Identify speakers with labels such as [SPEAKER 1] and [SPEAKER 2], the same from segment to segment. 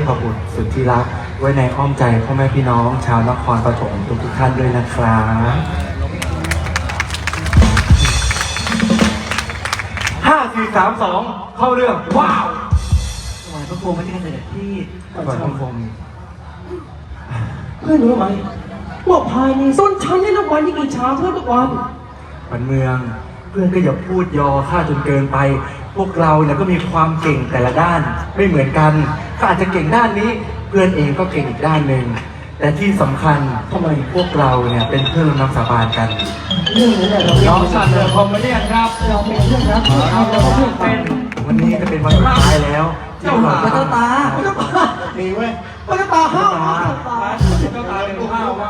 [SPEAKER 1] พบุตรสุดที่รักไว้ในอ้อมใจพ่อแม่พี่น้องชาวนครปฐมทุกท่านด้วยนะครับ5 4 3 2เข้าเรื่องว้าว
[SPEAKER 2] ถวายพระโคมไม่ใช่เสด็จพี่
[SPEAKER 1] ก่อนคง
[SPEAKER 3] เพื่อนรู้ไหมว่าภายในต้นชั้นนี่นับวันยิ่งอิจฉาเพื่อนทุกวัน
[SPEAKER 1] ปันเมืองเพื่อนก็อย่าพูดยอข้าจนเกินไป พวกเราเนี่ยก็มีความเก่งแต่ละด้านไม่เหมือนกันข้าอาจจะเก่งด้านนี้ เพื่อนเองก็เก่งอีกด้านหนึ่งแต่ที่สำคัญทำไมพวกเราเนี่ยเป็นเพื่อนร่วมน้ำสาบานกัน
[SPEAKER 3] เรื่องนี้แหละเรา
[SPEAKER 2] น้องสัตว์เรือพรหมเรียนครับ
[SPEAKER 3] เราเป็นเพื่อนรักเพื่อนเราเป็นเพื่อนกัน
[SPEAKER 1] วันนี้จะเป็นวันสุดท้ายแล้วที่เรา
[SPEAKER 2] พระเจ้าตา
[SPEAKER 3] พระเจ้าตา
[SPEAKER 4] มีเว้ย
[SPEAKER 3] พระเจ้าตาห้าวพระเจ้าตา
[SPEAKER 2] เจ้าตาเป็นข้าวว่า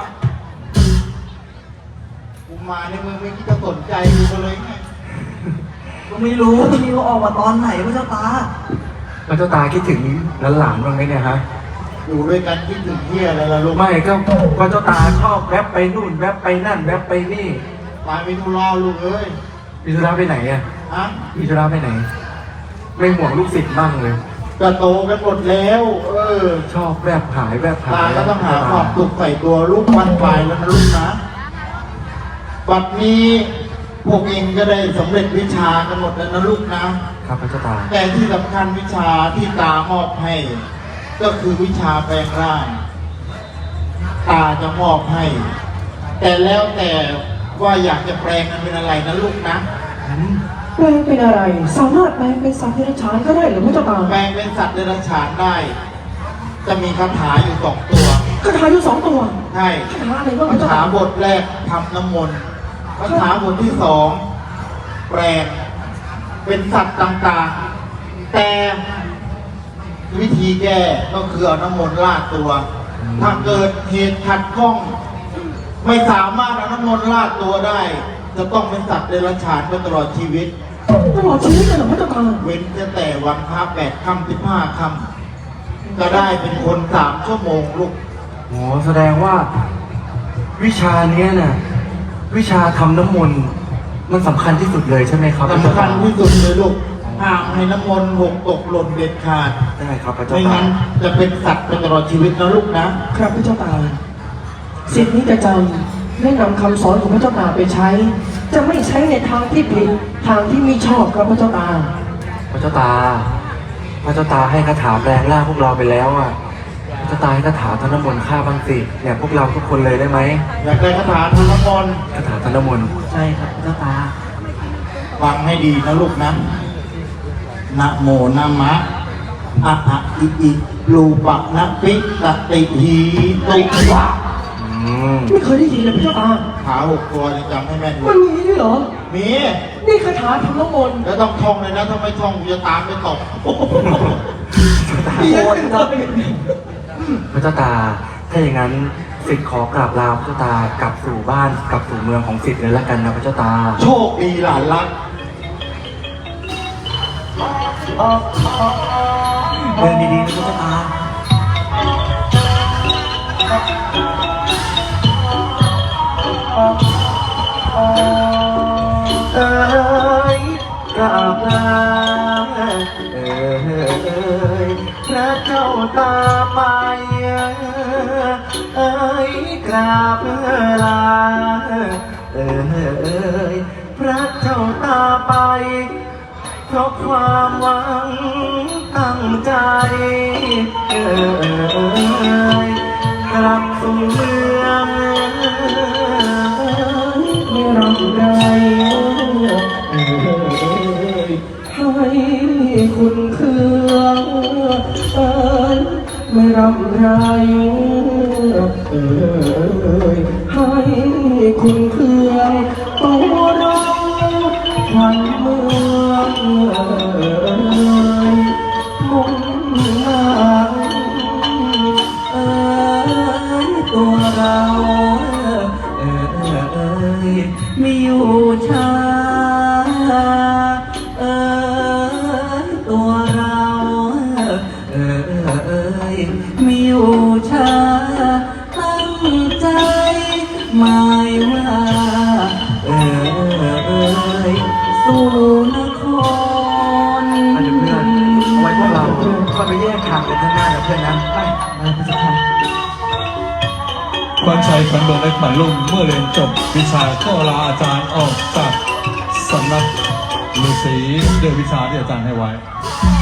[SPEAKER 4] กูมาในเมืองไม่คิดจะสนใจกูก็เลยไง
[SPEAKER 2] ก็ไม่รู้ที่นี่เขาออกมาตอนไหนพระเจ้าตา
[SPEAKER 1] พระเจ้าตาคิดถึงหลานๆบ้างไหมเนี่ยฮะ
[SPEAKER 4] อยู่ด้วยกันคิดถึงเที่ยอะไรล่ะลูก
[SPEAKER 1] ไม่ก็พระเจ้าตาชอบแวบไปนู่นแวบไปนั่นแวบไปนี่
[SPEAKER 4] มาไม่ทุรอลูกเอ้ย
[SPEAKER 1] พิธุระไปไหนอ่ะ
[SPEAKER 4] ฮะ
[SPEAKER 1] พิธุระไปไหน ไม่ห่วงลูกศิษย์บ้างเลย
[SPEAKER 4] ก็โตกันหมดแล้ว
[SPEAKER 1] ชอบแวบหายแวบหา
[SPEAKER 4] ตาย ก็ต้องหาความสุขใส่ตัวลูกวันไปแล้วนะลูกนะบัดนี้พวกเองก็ได้สำเร็จวิชากันหมดแล้วนะลูกนะ
[SPEAKER 1] ครับพระเจ้าตา
[SPEAKER 4] แต่ที่สำคัญวิชาที่ตามอบให้ ก็คือวิชาแปลงร่าง ตาจะมอบให้ แต่แล้วแต่ว่าอยากจะแปลงมันเป็นอะไรนะลูกนะ
[SPEAKER 3] แปลงเป็นอะไร สามารถแปลงเป็นสัตว์เดรัจฉานก็ได้เหรือพระเจ้าตา
[SPEAKER 4] แปลงเป็นสัตว์เดรัจฉานได้ จะมีคาถาอยู่2 ตัว
[SPEAKER 3] คาถาอยู่2 ตัว
[SPEAKER 4] ใช่
[SPEAKER 3] คาถาอะไรบ้างพ
[SPEAKER 4] คา
[SPEAKER 3] ระเจ้า
[SPEAKER 4] ถา
[SPEAKER 3] ตา
[SPEAKER 4] บทแรกทำน้ำมนต์คาถาบทที่2แปลงเป็นสัตว์ต่างๆ แต่วิธีแก้ก็คือเอาน้ำมนต์ราดตัว ถ้าเกิดเหตุขัดข้อง ไม่สามารถเอาน้ำมนต์ราดตัวได้ จะต้องเป็นสัตว์เดรัจฉานไปตลอดชีวิต
[SPEAKER 3] ตลอดชีวิตเลยเหรอพระเจ้าตา
[SPEAKER 4] เว้นแต่วันพระ8 ค่ำ15 ค่ำก็ได้เป็นคน3 ชั่วโมงลูก
[SPEAKER 1] โอ้แสดงว่า วิชาเนี้ยน่ะวิชาทำน้ำมนต์มันสำคัญที่สุดเลยใช่ไหมครับพระเจ้า
[SPEAKER 4] สำคั
[SPEAKER 1] ตา
[SPEAKER 4] ญที่สุดเลยลูกห้ามให้น้ำมนต์หกตกหล่นเด็ดขาด
[SPEAKER 1] ได้ครับพระเจ้า
[SPEAKER 4] ไม่
[SPEAKER 1] ตา
[SPEAKER 4] งั้นจะเป็นสัตว์ไปตลอดชีวิตนะลูกนะ
[SPEAKER 3] ครับพระเจ้าตาสิทธินี้จะจำและนำคำสอนของพระเจ้าตาไปใช้ จะไม่ใช้ในทางที่ผิดทางที่ไม่ชอบครับพระเจ้าตา
[SPEAKER 1] พระเจ้าตาพระเจ้าตาให้คาถาแปลงร่างพวกเราไปแล้วอ่ะพระเจ้าตาให้คาถาทำน้ำมนต์ฆ่าบางสิเนี่ยพวกเราทุกคนเลยได้ไหม
[SPEAKER 4] อยากได้คาถาทำน้ำมนต์
[SPEAKER 1] คาถาทำน้ำมนต์
[SPEAKER 2] ใช่ครับพระเจ้าตา
[SPEAKER 4] ฟังให้ดีนะลูกนะนะโมนะมะอะอะอิอิรูปะนะปิตติหีตุวะ
[SPEAKER 3] ไม่เคยได้ยินเลยพระเจ้าตา
[SPEAKER 4] ขา6 ตัวยังจำให้แม่นอยู่
[SPEAKER 3] มันมีด้วยเหรอ
[SPEAKER 4] มี
[SPEAKER 3] นี่คาถาทำน้ำมนต์
[SPEAKER 4] แล้วต้องท่องเลยนะถ้าไม่ท่องกูจะตามไปตบ
[SPEAKER 3] เดียวเลย
[SPEAKER 1] พระเจ้าตาถ้าอย่างนั้นสิทธิ์ขอกราบลาพระเจ้าตากลับสู่บ้านกลับสู่เมืองของสิทธิ์เลยละกันนะพระเจ้าตา
[SPEAKER 4] โชคดีหลานรัก
[SPEAKER 1] เดินดีๆนะพระเจ้าตา เอ้ยกราบลาเอ้ยพระเจ้าตาไปเอ้ยกราบลาเอ้ยพระเจ้าตาไปเพราะความหวังตั้งใจเอ้ยกลับสู่เมือง
[SPEAKER 3] ไม่รักใครให้คุณเครื่องไม่รักใครให้คุณเครื่องตัวเราขวัญเมืองมุ่งหน้าตัวเรามีอยู่ช้าตัวเรามีอยู่ช้าตั้งใจหมายว่าสู่นคร
[SPEAKER 1] อาจจะเพื่อนเอาไว้พวกเราค่อยไปแยกทางเป็นข้างหน้ากับเพื่อนนะไปพระเจ้าค่ะ
[SPEAKER 5] ขวัญชัยขวัญเมืองและขวัญลุ่มเมื่อเรียนจบวิชาก็ลาอาจารย์ออกจากสำนักฤาษีด้วยวิชาที่อาจารย์ให้ไว้